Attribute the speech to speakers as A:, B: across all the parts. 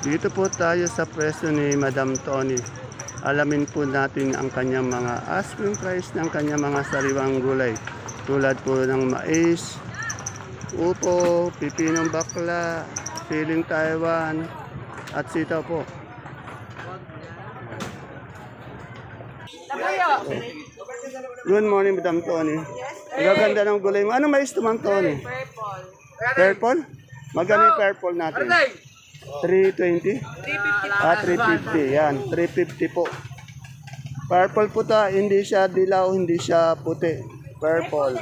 A: Dito po tayo sa pwesto ni Madam Tony. Alamin po natin ang kanyang mga asking price ng kanyang mga sariwang gulay. Tulad po ng mais, upo, pipinong bakla, siling Taiwan, at sitaw po. Good morning, Madam Tony. Ang gaganda ng gulay mo. Ano mais ito, Ma'am Tony?
B: Purple.
A: Purple? Magkano yung purple natin? 320? 350. Yan, 350 po. Purple po ta, hindi siya dilaw, hindi siya puti. Purple.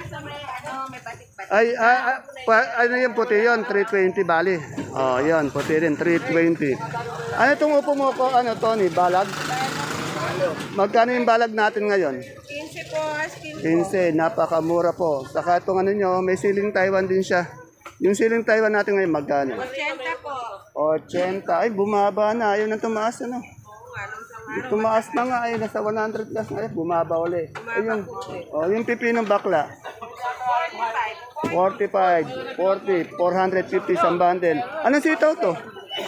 A: Ano yung puti yun? 320 bali. Oh, yun, puti rin, 320. Ano itong upo mo ko, ano, Tony? Balag? Magkano yung balag natin ngayon?
B: 15 po,
A: 15, napakamura po. Saka itong ano nyo, may siling Taiwan din siya. Yung siling Taiwan natin ngayon, magkano?
B: 80 po.
A: 80. Ay, bumaba na. Ayaw na tumaas, ano? Tumaas na nga, ay, nasa 100 plus na. Ay, bumaba uli. Ayun. Oh, yung pipinong bakla. 45, 40, 450 isang bundle. Anong sitaw to?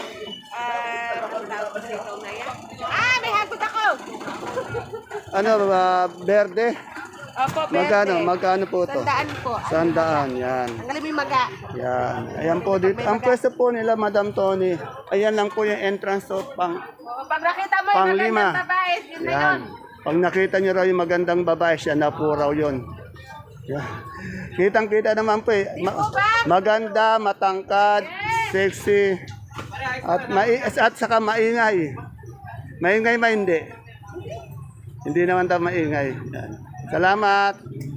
B: May hagot ako!
A: Ano, verde?
B: Opo, berde.
A: Magkano po to?
B: 100 po.
A: 100, yan.
B: Ang galing may maga.
A: Yan. Ayan po dito. Ang pwesto po nila, Madam Tony. Ayan lang po yung entrance to
B: Pag nakita mo yung
A: Panglima.
B: magandang babae, yun na yun.
A: yan. Pag nakita nyo raw yung magandang babae, siya na po raw yun. Yan. Kitang-kita naman po eh. Maganda, matangkad, sexy, at saka maingay. Maingay ba hindi? Hindi naman daw maingay. Yan. Salamat.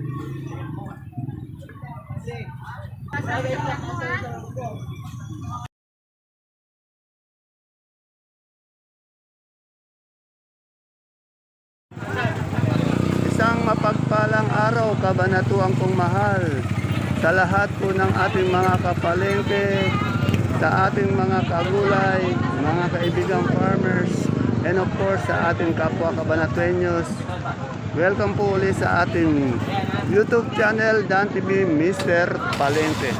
A: Isang mapagpalang araw, kabanatuang kong mahal, sa lahat po ng ating mga kapalengke, sa ating mga kagulay, mga kaibigang farmers, and of course sa ating kapwa kabanatuenyos. Welcome po ulit sa ating YouTube channel, Dan TV Mr. Palengke.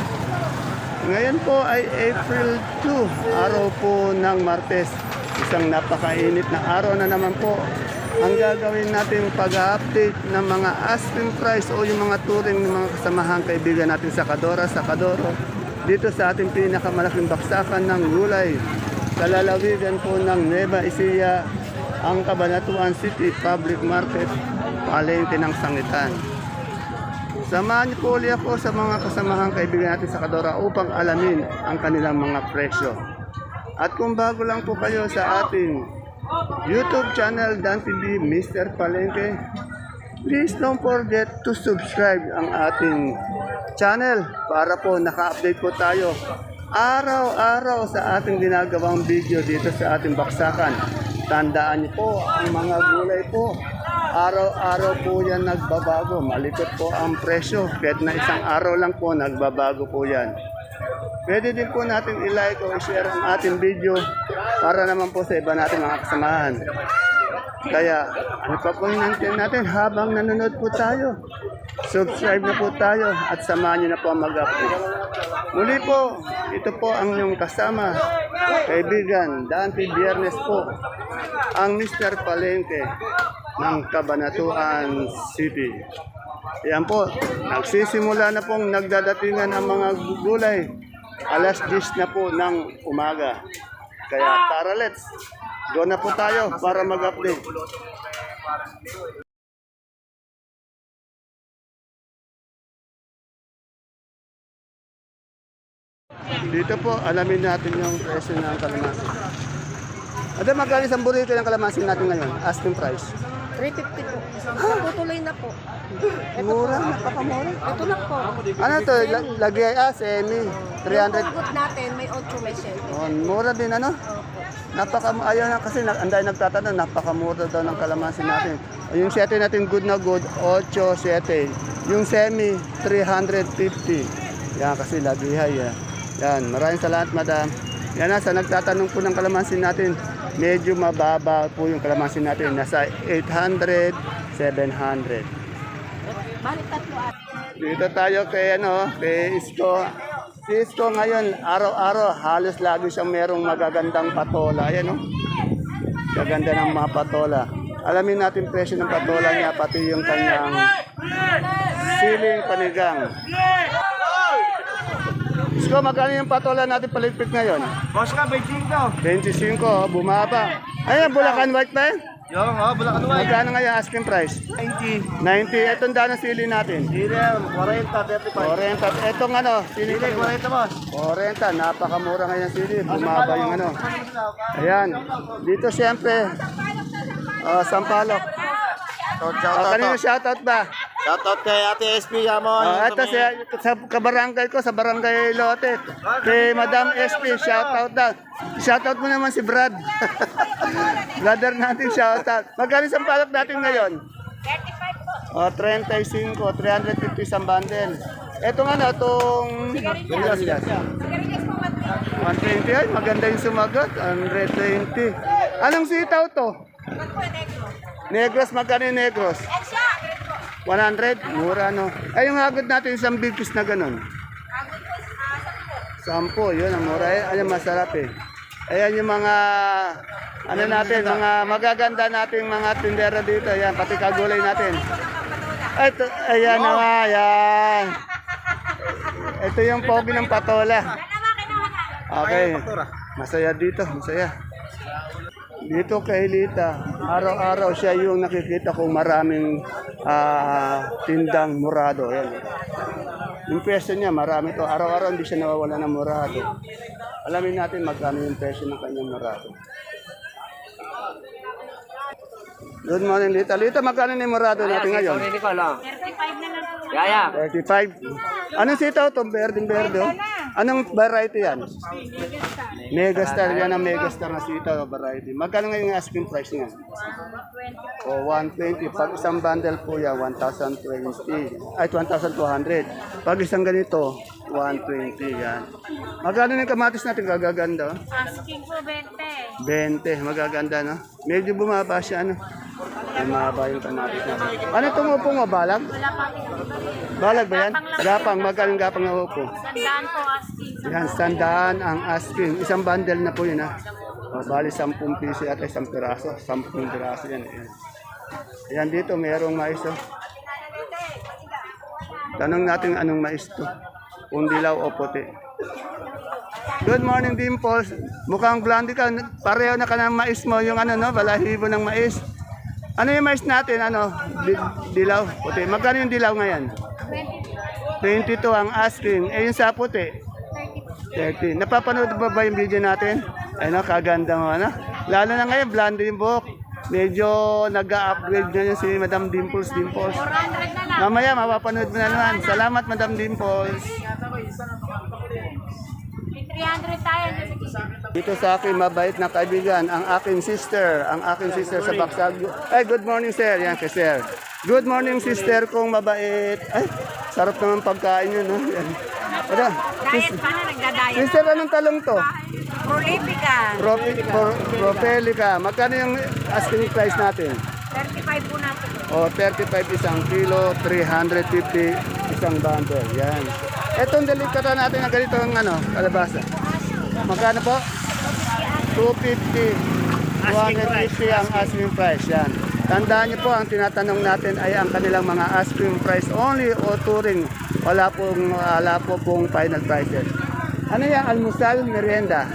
A: Ngayon po ay April 2, araw po ng Martes. Isang napakainit na araw na naman po. Ang gagawin natin pag-update ng mga asking price o yung mga turing ng mga kasamahang kaibigan natin sa Kadoro, dito sa ating pinakamalaking baksakan ng gulay. Sa lalawigan po ng Nueva Ecija, ang Cabanatuan City Public Market, palengke ng Sangitan. Samahan niyo po ulit ako sa mga kasamahang kaibigan natin sa Kadora upang alamin ang kanilang mga presyo. At kung bago lang po kayo sa ating YouTube channel, Dan TV Mr. Palengke, please don't forget to subscribe ang ating channel para po naka-update po tayo araw-araw sa ating ginagawang video dito sa ating baksakan. Tandaan niyo po, ang mga gulay po, araw-araw po yan nagbabago. Malikot po ang presyo. Kahit na isang araw lang po, nagbabago po yan. Pwede din po natin i-like o i-share ang ating video para naman po sa iba natin mga kasamahan. Kaya, ano pa po hinantin natin habang nanonood po tayo? Subscribe na po tayo at samahan niyo na po ang mag-update. Muli po, ito po ang inyong kasama, kaibigan, Dante Biernes po, ang Mr. Palengke ng Cabanatuan City. Yan po, nagsisimula na pong nagdadatingan ang mga gulay. Alas 10 na po ng umaga. Kaya tara, let's go na po tayo para mag-update. Dito po, alamin natin yung presyo ng kalamansi. Ada magkano isang burrito ng kalamansi natin ngayon? Asking price.
B: 350 po. Tutuloy na po.
A: Mura, napakamura.
B: Ito lang po.
A: Ano to? Lagay semi. 300.
B: Good natin, may 8, may 7.
A: Oh, mura din ano? Ayaw na kasi anday nagtatanong, napakamura daw ng kalamansi natin. Yung 7 natin good na good, 8, 7. Yung semi, 350. Yan kasi lagihay. Yan, maraming salamat madam. Yan na, sa nagtatanong po ng kalamansi natin, medyo mababa po yung kalamansi natin. Nasa 800, 700.
B: Balik tatlo at.
A: Dito tayo kay Isko. Cisco ngayon, araw-araw, halos lagi siyang merong magagandang patola. Ayan, oh. Gaganda ng mga patola. Alamin natin presyo ng patola niya, pati yung kanyang siling panigang. Cisco, magkano yung patola natin paligpit ngayon?
C: Boss ka, 25.
A: 25, oh, bumaba. Ayan, Bulacan White pa eh.
C: Yung, Bulacan White.
A: Magkano ngayon asking price?
C: 90.
A: 90. Itong daan ng sili natin.
C: Direm, 40, 35.
A: 40. Itong ano, sili
C: Dili, 40 boss.
A: 40. Napakamura ngayon ng sili. Bumaba yung ano. Ayan. Dito siyempre, Sampalok. Kanino shoutout ba?
C: Shoutout kay Ate SP Yamon.
A: Ito sa kabarangay ko, sa barangay Lote. Kay Madam SP, shoutout daw. Shoutout mo naman si Brad. Brother natin, shoutout. Magkano Sampalok natin ngayon? 35 po. 35, 350 isang bundle. Etong ano, itong...
B: Sigarilyas po,
A: 120, ay maganda yung sumagot. 120. Anong sitaw to? Negros, magkano yung negros? 100? Mura, no? Ay, yung hagod natin, isang big piece na ganun. 10, yun, ang mura. Ayan, masarap eh. Ayan yung mga, ano natin, mga magaganda nating mga tindera dito. Ayan, pati kagulay natin. Ito, ayan na nga, ayan. Ito yung pogi ng patola. Okay, masaya dito, masaya. Dito kay Lita, araw-araw siya yung nakikita kong maraming tindang murado. Ayan. Yung presyo niya, marami to. Araw-araw hindi siya nawawala ng murado. Alamin natin magkano yung presyo ng kanyang murado. Good morning, Lita. Lita, magkano na yung murado natin ngayon?
B: 35 na lang po. Yaya.
A: 35. Anong sitaw to? Berde-berde. Oh. Anong variety yan? Megastar. Yan ang Megastar na sitaw variety. Magkano ngayon yung asking price niya? O, 120. Pag isang bundle po yan, 1,020. Ay, 1,200. Pag isang ganito, 120. Yan. Magkano yung kamatis natin? Gagaganda. Oh.
B: Asking po 20.
A: 20. Magaganda, no? Medyo bumaba siya, ano? Ay, mahaba yung kamatis natin. Ano itong upo mo? Balag?
B: Wala pa po.
A: Balag ba yan? Gapang. Magkano yung gapang na upo?
B: Sandaan po asking.
A: Yan, 100 ang asking. Isang bundle na po yun, ha? O, bali, 10 piso at isang piraso. 10 piraso yan. Ayan. Ayan, dito, mayroong mais, oh. Tanong natin anong mais to. Kung dilaw o puti. Good morning, Dimples. Mukhang blondie ka. Pareho na ka ng mais mo. Yung ano, no? Balahibo ng mais. Ano yung mais natin? Ano? Dilaw? Puti. Magkano yung dilaw ngayon? 22 ang asking. Eh, yung sa puti? 30. Napapanood ba yung video natin? Ay, no, kaganda mo, ano? Lalo na ngayon, blondie yung buhok. Medyo nag-upgrade na yun si Madam Dimples.
B: 400 na lang.
A: Mamaya, mapapanood mo na naman. Salamat, Madam Dimples.
B: May 300 tayo.
A: Dito sa akin, mabait na kaibigan, ang aking sister sa Baksag. Ay, good morning, sir. Yan, kay sir. Good morning, sister kong mabait. Ay, sarap naman pagkain yun, no? Yan. Ano?
B: Diet pa na, nagda-diet.
A: Sister, anong talong to?
B: Prolifica.
A: Propelica. Magkano yung asking price natin?
B: 35 po natin.
A: O, 35 isang kilo, 350 isang bundle. Yan. Etong delikata natin na ganito ang ano, kalabasa. Magkano po? 250. 250 ang asking price. Yan. Tandaan niyo po, ang tinatanong natin ay ang kanilang mga asking price only o touring. Wala pong final prices. Ano yan? Almusal, merienda?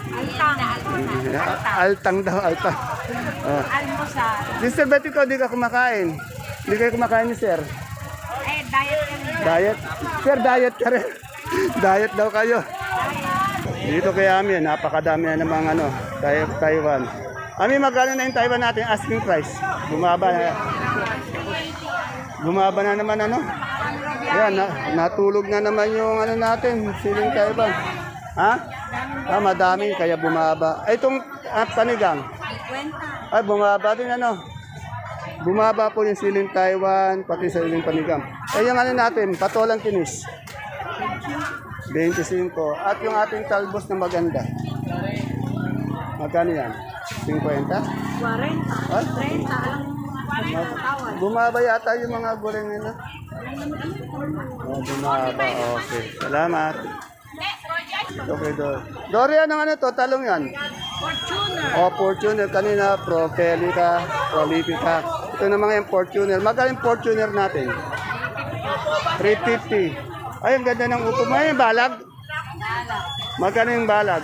A: Altang daw, altang. Oh.
B: Almusal.
A: Sister, ba't ikaw di ka kumakain? Hindi kayo kumakain ni sir?
B: Diet kami.
A: Diet? Sir, diet ka rin. Diet daw kayo. Dito kay Ami, napakadami na ng mga ano, Taiwan. Ami, magkano na yung Taiwan natin asking price? Bumaba na. Bumaba na naman ano? Yan, natulog na naman yung ano natin, siling Taiwan. Ha? Madami, kaya bumaba. Ay, itong panigang. Ay, bumaba din ano. Bumaba po yung siling Taiwan, pati sa siling panigang. Eh, yung ano natin, patolang kinis. 25. At yung ating talbos na maganda. Magkano yan? 50?
B: 40.
A: Ay,
B: 30. Tawad.
A: bumaba yata yung mga goreng nila. Oh, bumaba. Okay. Salamat. Okay, Dory, anong ano to? Talong yan?
B: Fortuner.
A: Fortuner. Kanina, Propelica, Prolifica. Ito na mga yung Fortuner. Magkano yung Fortuner natin? 350. Ay, ang ganda ng upo mo. Ay, yung balag? Magkano yung balag?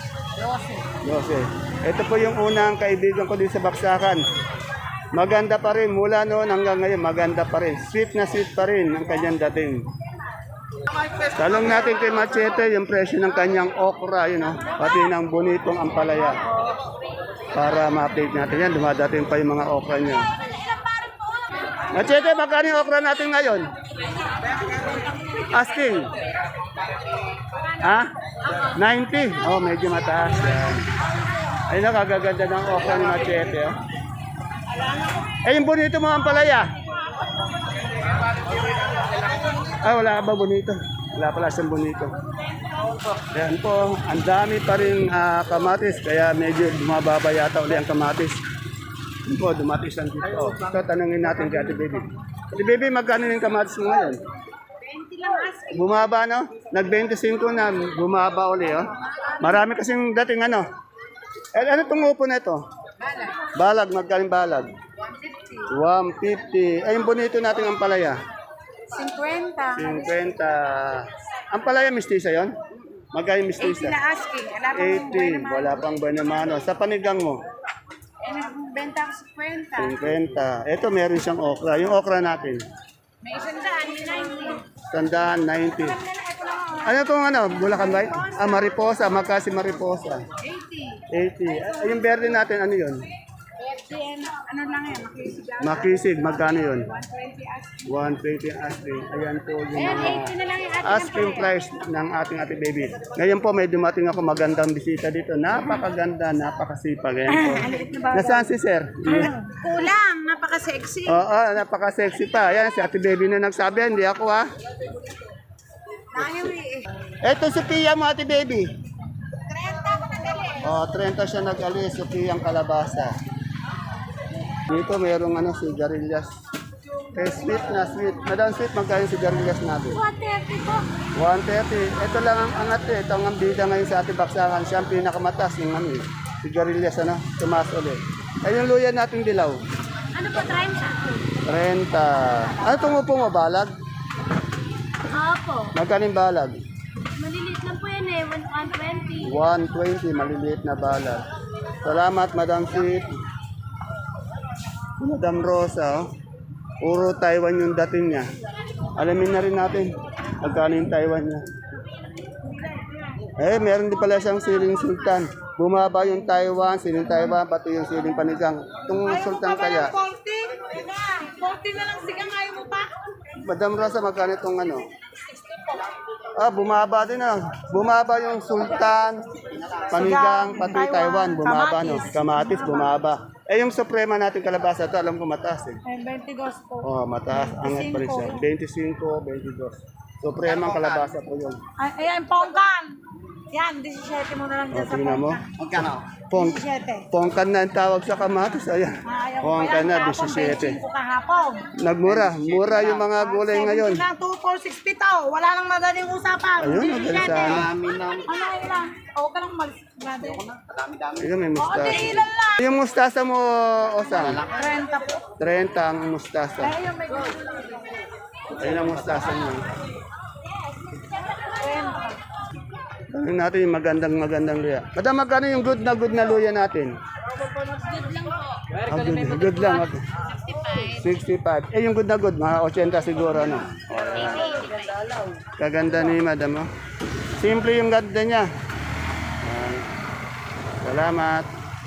A: 12. Ito po yung unang kaibigan ko din sa Baksakan. Maganda pa rin. Mula noon hanggang ngayon, maganda pa rin. Sweet na sweet pa rin ang kanyang dating. Talong natin kay Machete yung presyo ng kanyang okra, yun, pati ng bonitong ampalaya. Para ma-update natin yan, dumadating pa yung mga okra niya. Machete, magkano yung okra natin ngayon? Asking. Ha? 90? Oh, medyo mataas. Yan. Ay, nakagaganda ng okra ni Machete. Oh. Eh, yung bonito mo ampalaya? Wala ka ba bonito? Wala pala siyang bonito. Ayan po, ang dami pa rin kamatis, kaya medyo bumababa yata uli ang kamatis. Ayan po, dumatis ang dito. Ito, tanungin natin kay Ate Baby. Ate Baby, magkano yung kamatis mo ngayon?
B: 20 lang asking.
A: Bumaba, no? Nag-25 na, bumaba uli, oh. Marami kasing dating ano. Ano itong upo na ito? Balag, magkaling balag? 150. Ay, yung bonito natin ang palaya?
B: 50.
A: 50. Ang palaya, mistisa yon? Magkano yung
B: 80
A: mistisa?
B: na asking. Wala pa mong buhay
A: 80.
B: naman.
A: Wala pang buwan naman. Sa panigang mo?
B: Nagbenta ako 50.
A: 50. Ito, meron siyang okra. Yung okra natin?
B: May isang daan, 90.
A: Tandaan, 90. Ano itong ano? Bulacan White? Mariposa. Magkasi Mariposa?
B: 80.
A: 80. Yung verde natin, ano yun?
B: Ano lang yan, makisigaw.
A: Makisig. Magkano yun?
B: 120 asking.
A: 120 asking. Ayan po yung
B: Ayan,
A: mga
B: 80 na lang yung ating
A: asking price ng ating Ate Baby. Ngayon po may dumating ako magandang bisita dito. Napakaganda, napakasipag. Ayan po. Nasaan si Sir?
B: Kulang, napaka-sexy.
A: Oo, napaka-sexy pa. Ayan, si Ate Baby na nagsabi. Hindi ako ha.
B: Nahiwi eh.
A: Eto si Pia mo, Ate Baby.
B: 30 ako nagali.
A: 30 siya nag-alis. Si Pia ang kalabasa. Dito mayroong ano, sigarilyas. Sweet na sweet. Madam Sweet, magkano yung sigarilyas natin?
B: 130 po.
A: 130. Ito lang ang angat eh. Ito ang bida ngayon sa ating baksakan. Siya ang pinakamataas yung ano eh. Sigarilyas, ano? Tumaas ulit. Ay, yung luya nating dilaw.
B: Ano po, 30?
A: 30. Ano tumupo mo, balag?
B: Opo.
A: Magkano yung balag?
B: Maliliit lang po yan eh, 120.
A: 120, maliliit na balag. Salamat, Madam Sweet. Madam Rosa, oh. Puro Taiwan yung dating niya. Alamin na rin natin magkano yung Taiwan niya. Eh, meron din pala siyang siling sultan. Bumaba yung Taiwan, siling Taiwan, pati yung siling panigang. Itong sultan kaya.
B: 40 na lang sigang, ayaw mo pa?
A: Madam Rosa, magkano itong ano? Bumaba din ah. Bumaba yung sultan, panigang, pati Taiwan. Bumaba, no? Kamatis, bumaba. Eh, yung suprema natin kalabasa, ito alam ko mataas eh.
B: 22 po.
A: Mataas. Angat pa rin siya. 25, 22. Supremang kalabasa po yun.
B: Ayan, pongkan. Yan, 17 mo na lang dyan sa
A: Tingnan mo.
B: pongkan.
A: Pongkan na ang tawag sa kamatis. Ayan. Pongkan na, 17.
B: 25 kahapon.
A: Nagmura. Mura yung mga gulay ngayon.
B: 70 lang, 2,460 to. Wala nang madaling usapan.
A: Ayun, madali sana.
B: Ano yun lang? O, ka lang malis. Grabe.
A: Ayun, may
B: O,
A: mustasa.
B: di ilan lang.
A: Yung mustasa mo, Osang?
B: 30 po.
A: 30 ang mustasa.
B: Ayun, may
A: Ayun ang mustasa mo.
B: 30.
A: Tanong natin yung magandang luya. Madam, magkano yung good na luya natin? Good lang. Okay. 65. Eh, yung good na good, mga 80 siguro, ano? Kaganda ni madam, oh. Simple yung ganda niya. Salamat.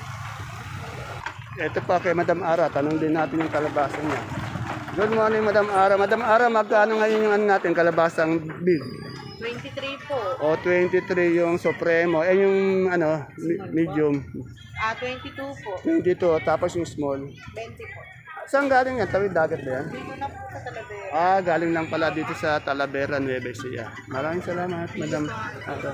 A: Ito pa kay Madam Ara, tanong din natin yung kalabasa niya. Good morning, Madam Ara. Madam Ara, magkano ngayon yung ano natin, kalabasang big?
B: 23 po.
A: O 23 yung supremo. Eh yung ano, medium.
B: 22 po.
A: 22. Tapos yung small.
B: 20 po.
A: Saan galing yan? Tawid dagat ba yan?
B: Dito na po sa Talavera.
A: Galing lang pala dito sa Talavera, Nueva Ecija. Maraming salamat, Madam Ara.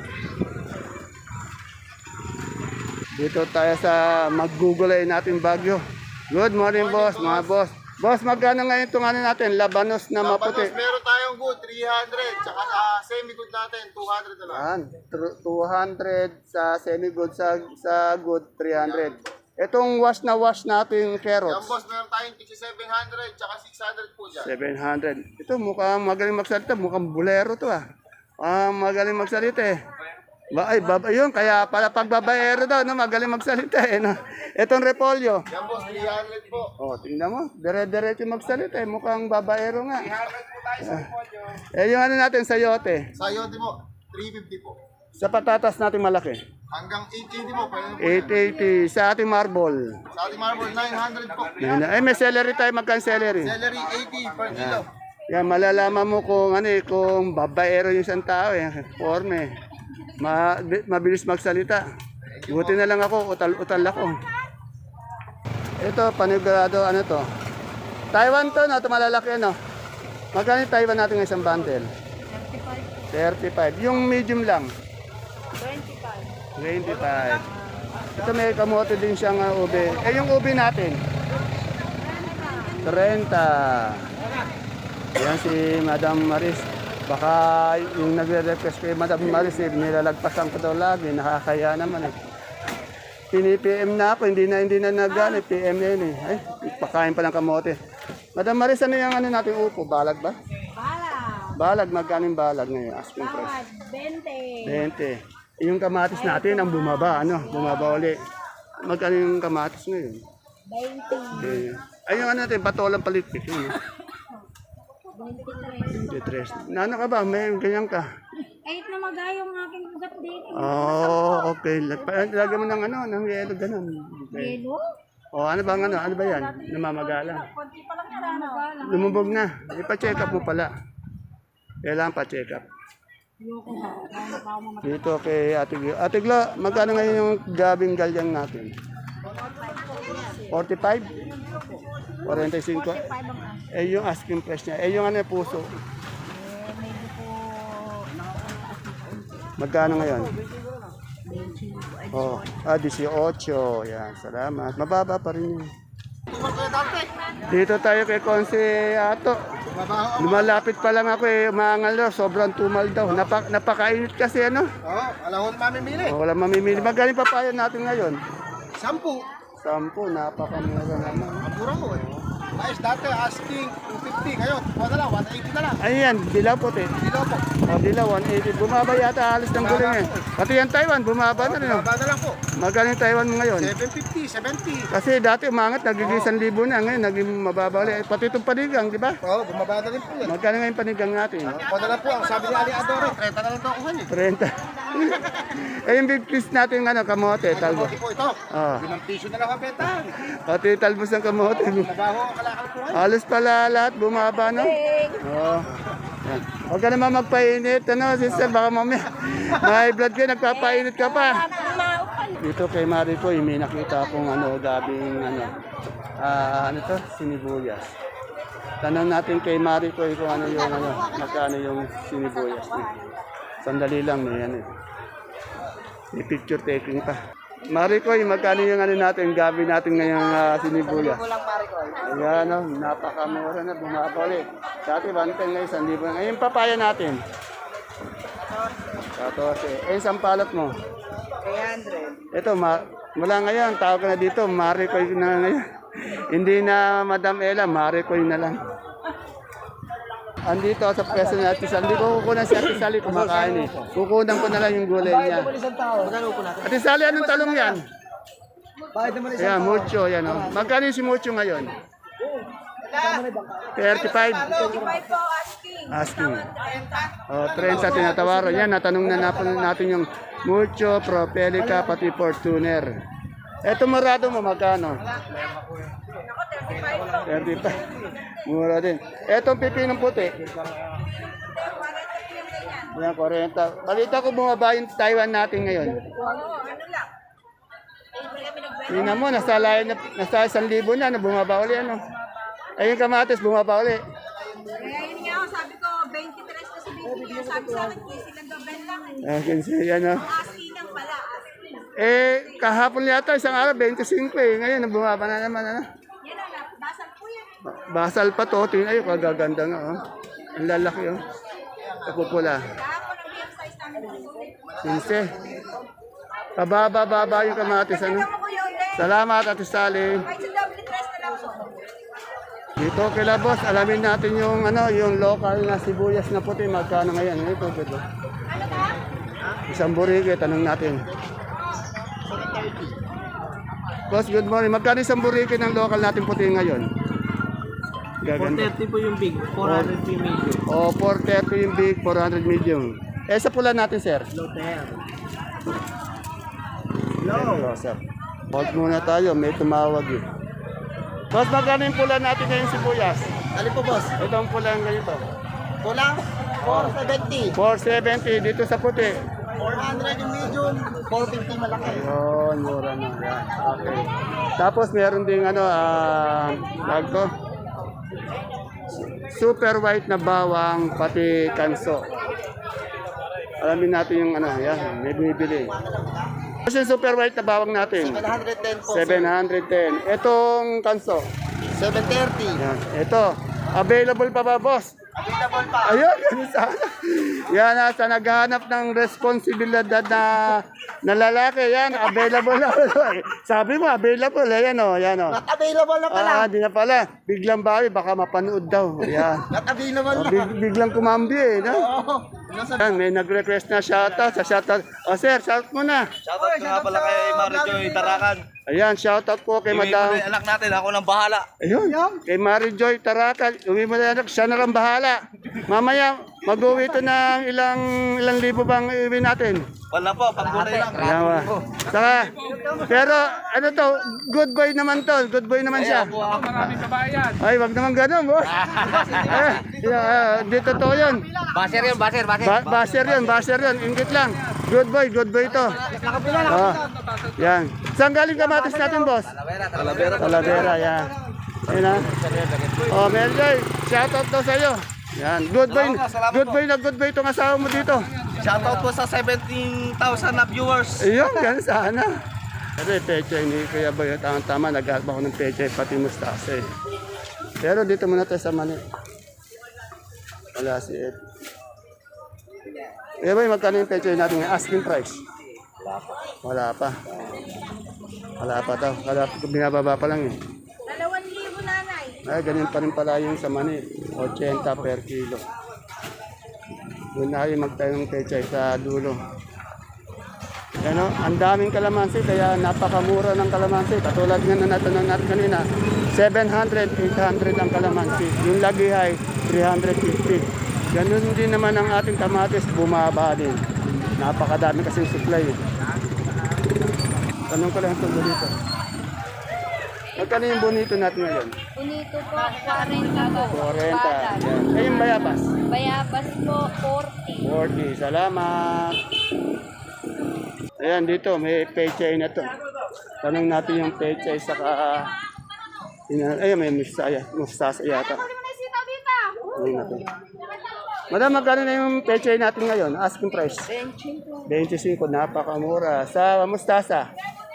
A: Dito tayo sa maggugulay natin Bagyo. Good morning, boss. Mga boss. Boss, magkano ngayon itong ano natin? Labanos na maputi.
C: Meron tayo tayong good, 300. Tsaka sa semi-good natin, 200 na lang.
A: Yan, 200 sa semi-good, sa good, 300. Itong wash na wash natin
C: Yan
A: carrots,
C: boss, meron tayong 700, tsaka 600 po dyan.
A: 700. Ito mukhang magaling magsalita, mukhang bulero to ah. Magaling magsalita eh. Yun, kaya pala pagbabaero daw, no, magaling magsalita eh. No? Itong repolyo.
C: Yan boss, 300 po.
A: Oh, tingnan mo, dire-diretso magsalita eh, mukhang babaero nga.
C: 300 po tayo sa repolyo.
A: Yung ano natin, sayote.
C: Sa yote mo, 350 po.
A: Sa patatas natin malaki.
C: Hanggang 880 po. Pwede po.
A: 880. Sa ating marble.
C: Sa ating marble, 900 po.
A: May celery tayo, magkano celery?
C: Celery, 80 per kilo.
A: Yan, malalaman mo kung ano eh, kung babaero yung isang tao eh. Forme. Mabilis magsalita. Buti na lang ako, utal ako. Ito, panigurado, ano to? Taiwan to, no? Ito malalaki, ano? Magkano yung Taiwan natin ng isang bundle? 35. Yung medium lang? 25. Ito may kamote din siyang ube. Yung ube natin? 30. Yan si Madam Maris. Baka yung nagre-request kay Madam Maris, nilalagpasan ko daw lagi. Nakakaya naman eh. Pini-PM na ako, hindi na nagano, PM na yun eh. Ay, pakain pa ng kamote. Madam Maris, ano yung ano natin upo? Balag ba? Balag, magkano yung balag ngayon? Asking price. 20. Yung kamatis natin ang bumaba, ano? Bumaba ulit. Magkano yung kamatis ngayon? 20. Ay, yung ano natin, patolang palitpik. Yun, 23. Nano ka ba? May ganyan ka?
B: Kahit na magayong aking ugat dito.
A: Oh, okay. Lagyan mo ng ano, ng yelo, ganun. Okay.
B: Yelo?
A: Oh, ano ba ano? Ano ba yan? Namamagala.
B: Konti pa lang yan. Ano?
A: Lumubog na. Ipa-check up mo pala. Kailangan pa-check up. Dito kay Ate Glo. Ate Glo, magkano ngayon yung gabing galyang natin? 45? 45? Eh, yung asking price niya. Eh, yung ano, puso.
B: Medyo po
A: Magkano ngayon? Oh, 18. Yan, salamat. Mababa pa rin yun. Dito tayo kay Konse Ato. Lumalapit pa lang ako eh, umangal daw, sobrang tumal daw. Napakainit kasi ano.
C: Oo, alahon mamimili.
A: Oh, wala mamimili. Magaling papayo natin ngayon.
C: 10.
A: 10, napakamura naman.
C: Mura mo eh. Ayos, dati asking 250. Ngayon, kuha na lang, 180 na lang.
A: Ayan, dilaw puti.
C: Kilo po.
A: O, dilaw, 180. Bumaba yata, alis ng guling eh. Pati yan Taiwan, bumaba na rin. Oh.
C: Baba na lang po.
A: Magaling yung Taiwan mo ngayon.
C: 750, 70.
A: Kasi dati umangat, nagiging 1,000 na. Ngayon, naging mababa ulit. Pati itong panigang, di ba?
C: Oo, bumaba na rin po yan.
A: Magkano ngayon panigang natin?
C: Kuha na lang po, ang sabi ni Ali Adore, 30 na lang ito kuha niyo.
A: 30. Eh, yung big fish natin, ano, kamote, talbos.
C: Kamote po ito.
A: Oh.
C: 5 piso na lang ang benta.
A: Pati talbos ng kamote.
C: Nabaho ang kalakal po.
A: Halos pala lahat bumaba, no? Oo. Yan. Huwag ka naman magpainit, ano, sister, baka mamaya. May blood ka, nagpapainit ka pa. Dito kay Marico, may nakita akong ano, gabing, ano to, sinibuyas. Tanong natin kay Marico kung ano yung, magkano yung sinibuyas niya. Sandali lang, may ano. May picture taking pa. Marico, magkano yung ano natin, gabi natin ngayong sinibuyas? Ayan, no, napakamura na, bumaba ulit. Dati, 110 ngayon, 1,000 na. Ngayon, papaya natin. 14. Eh, sampalot mo? 300. Ito, mula ngayon, tawag ka na dito, Marico na ngayon. Hindi na Madam Ella, Marico na lang. Andito sa pwesto ni Ate Sally. Hindi ko kukunan si Ate Sally kumakain eh. Kukunan ko na lang yung gulay niya. Ate Sally, anong talong yan? Ayan, mucho. Yan, oh. Magkano yung si mucho ngayon? 35.
B: 25 po
A: Asking.
B: asking.
A: Oh, 30 tinatawaran. Yan, natanong na natin yung mucho, propelica, pati fortuner. Eto morado mo, magkano?
B: Ako 35 po.
A: 35. Mura din. Etong pipinong puti. Yan, 40. Balita ko bumaba yung Taiwan natin ngayon.
B: Ano lang.
A: Tingnan mo, nasa 1,000 na, bumaba uli, ano. Ay, yung kamatis, bumaba uli.
B: Kaya yun nga ako, sabi ko, 23 na si Bibi. Sabi sa akin, 15 lang gabel lang.
A: Kasi yan, oh.
B: Asking lang pala, asking.
A: Kahapon yata, isang araw, 25 eh. Ngayon, bumaba na naman, ano.
B: Yan na, basal po yan.
A: Basal pa to, tingnan, ay, kagaganda nga, oh. Ang lalaki oh. Kapupula.
B: Kahapon ang BM size namin.
A: 15. Pababa-baba yung kamatis ano.
B: Tignan mo ko yun din.
A: Salamat Ate Sally.
B: Kahit sa double tres na lang po.
A: Dito kila boss, alamin natin yung ano, yung local na sibuyas na puti magkano ngayon. Ito gito.
B: Ano ka?
A: Isang burige, tanong natin. Boss, good morning. Magkano isang burige ng local natin puti ngayon? Gaganda.
D: 430 po yung big, 400 po yung medium.
A: O, 430 yung big, 400 medium. Eh, sa pula natin, sir?
D: Lotel.
A: Hello, sir. Hold muna tayo, may tumawag eh. Boss, magkano yung pula natin ngayon sibuyas?
C: Alin po, boss?
A: Ito ang pula ganito.
C: Kulang? 470.
A: 470 dito sa puti.
C: 400 yung medium. 450 malaki.
A: Ayun, mura na. Yan. Okay. Tapos meron ding ano, lag ko. Super white na bawang, pati kanso. Alamin natin yung ano, yan, may bumibili. Kasi yung super white na bawang natin,
C: 710 po.
A: 710. Itong kanso,
C: 730.
A: yan. Ito, available pa ba, boss?
C: Available pa.
A: Ayun, ganun sana. Yan, sa naghahanap ng responsibilidad na lalaki, yan, available na. Sabi mo, available, yan o, yan o.
C: Not available na pala.
A: Di na pala. Biglang bawi, baka mapanood daw. Ayan.
C: Not available na.
A: Biglang kumambi eh. No?
C: Oo. Nasa
A: Ayan, may nag-request na shoutout. Sa shoutout. O sir, shout mo na.
D: Shoutout nga pala kay Marijoy Tarakan.
A: Ayan, shoutout po kay
D: Iwi mo
A: Madam.
D: na yung anak natin, ako nang bahala.
A: Ayun, kay Mary Joy Tarakan. Uwi mo na anak, siya na lang bahala. Mamaya, mag-uwi ito ng ilang libo bang iuwi natin?
D: Wala po, panggunay lang.
A: Ayan, saka, pero ano to, good boy naman to. Good boy naman siya. Ay, wag naman ganun, boss. Di totoo yun.
D: Baser yun, baser.
A: Baser yun. Ingit lang. Good boy to. Oh, yan. Saan galing kamatis natin, boss? Talavera, yan. Ayun na. Oh, Meljoy, shoutout daw sa'yo. Yan, good boy itong asawa mo dito.
D: Shoutout po sa 17,000 na viewers.
A: Ayun, ganun sana. Kasi peche, hindi kaya ba yung tama, nag-alba ko ng peche, pati mustasa eh. Pero dito muna tayo sa mani. Wala si Ed. Eh ba, magkano yung peche natin ngayon? Asking price? Wala pa. Wala pa daw. Binababa pa lang eh.
B: 2,000 nanay.
A: Ay, ganyan pa rin pala yung sa mani. 80 per kilo. Doon na kayo magtayo ng peche sa dulo. Ano, ang daming kalamansi kaya napakamura ng kalamansi. Katulad nga na natanong natin kanina, 700, 800 ang kalamansi. Yung lagihay, 350. Ganun din naman ang ating kamatis, bumaba din. Napakadami kasing supply. Tanong ko lang itong bonito. Magkano yung bonito natin ngayon?
E: Unito po, 40 po.
A: 40. Yan. Eh, yung bayabas?
E: Bayabas po, 40.
A: 40. Salamat. Ayan, dito may pechay na to. Tanong natin yung pechay saka ayun, may mustasa yata. Ano na to? Madam, magkano na yung pechay natin ngayon? Asking price? 25. 25, napakamura. Sa mustasa?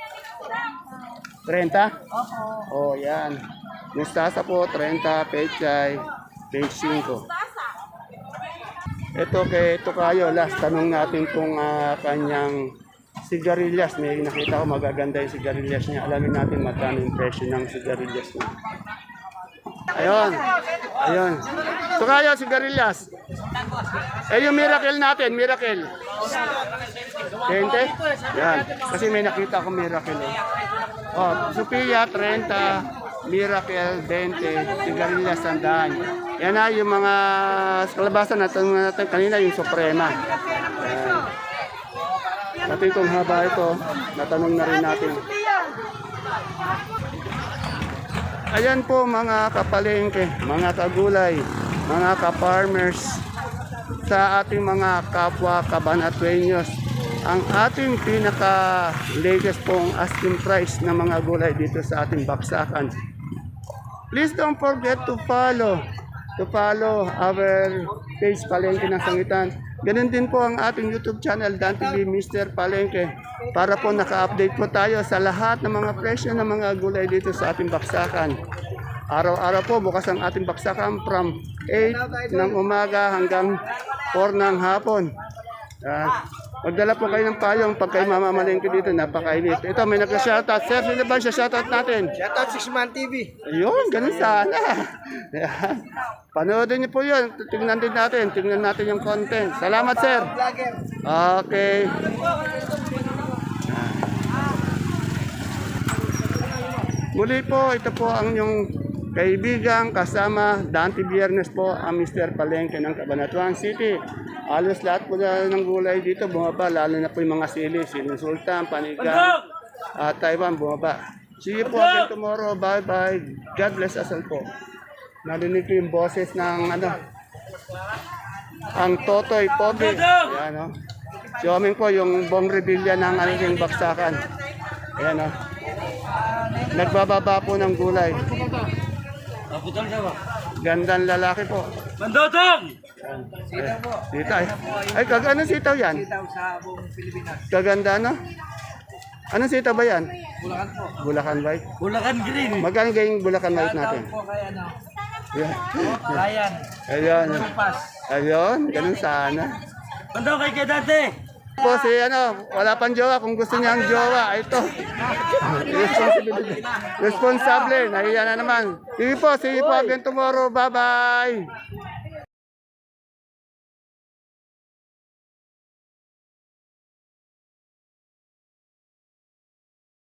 A: 30? Oo. Oh, yan. Mustasa po, 30, pechay, 25. Ito kay Tokayo, last tanong natin kung kanyang sigarilyas. May nakita ko magaganda yung sigarilyas niya. Alamin natin magkano yung presyo ng sigarilyas niya. Ayun. Ayun. Tokayo, sigarilyas. Eh yung miracle natin, miracle. 20? Yan. Kasi may nakita ko miracle. Oh, Sophia, 30. Miracle, 20. Sigarilyas, 100. Yan na yung mga kalabasan natin kanina, yung Suprema. Yan. Pati itong haba ito, natanong na rin natin. Ayan po mga kapalengke, mga kagulay, mga ka-farmers, sa ating mga kapwa kabanatuenyos. Ang ating pinaka-latest pong asking price ng mga gulay dito sa ating baksakan. Please don't forget to follow our page Palengke ng Sangitan. Ganun din po ang ating YouTube channel, Dan TV Mr. Palengke. Para po naka-update po tayo sa lahat ng mga presyo ng mga gulay dito sa ating baksakan. Araw-araw po bukas ang ating baksakan from 8 ng umaga hanggang 4 ng hapon. Magdala po kayo ng payong pag kayo mamamalengke dito, napakainit. Ito, may nagka-shoutout. Sir, sino ba siya shoutout natin?
C: Shoutout 6-Man TV.
A: Ayun, ganun sana. Yan. Panoodin niyo po yun. Tingnan din natin. Tingnan natin yung content. Salamat, sir.
C: Vlogger.
A: Okay. Muli po, ito po ang yung kaibigan kasama Dante Biernes po ang Mr. Palengke ng Cabanatuan City. Halos lahat po na ng gulay dito bumaba, lalo na po yung mga sili, siling sultan, panigang, Taiwan bumaba. See you po again tomorrow. Bye-bye. God bless us all po. Narinig ko yung boses ng ang Totoy Pogi. Ayan o. Si Oming po yung Bong Revilla ng ating baksakan. Ayan o. Nagbababa po ng gulay. Gandang lalaki po.
D: Mandotong!
A: Sitaw. Ay, anong sitaw yan?
C: Sitaw sa buong Pilipinas.
A: Kaganda, no? Anong sitaw ba yan?
C: Bulacan po.
A: Bulacan White.
D: Bulacan Green.
A: Magkano yung Bulacan White natin?
C: Po kaya ano?
A: Yan.
C: Ryan.
A: Ayun.
C: Pass.
A: Ayun, ganun sana.
D: Mandong kay Kedate.
A: Po si wala pang jowa. Kung gusto niya ang jowa, ito. Responsibility. Responsable. Nahiya na naman. Sige po, see you po again tomorrow. Bye-bye.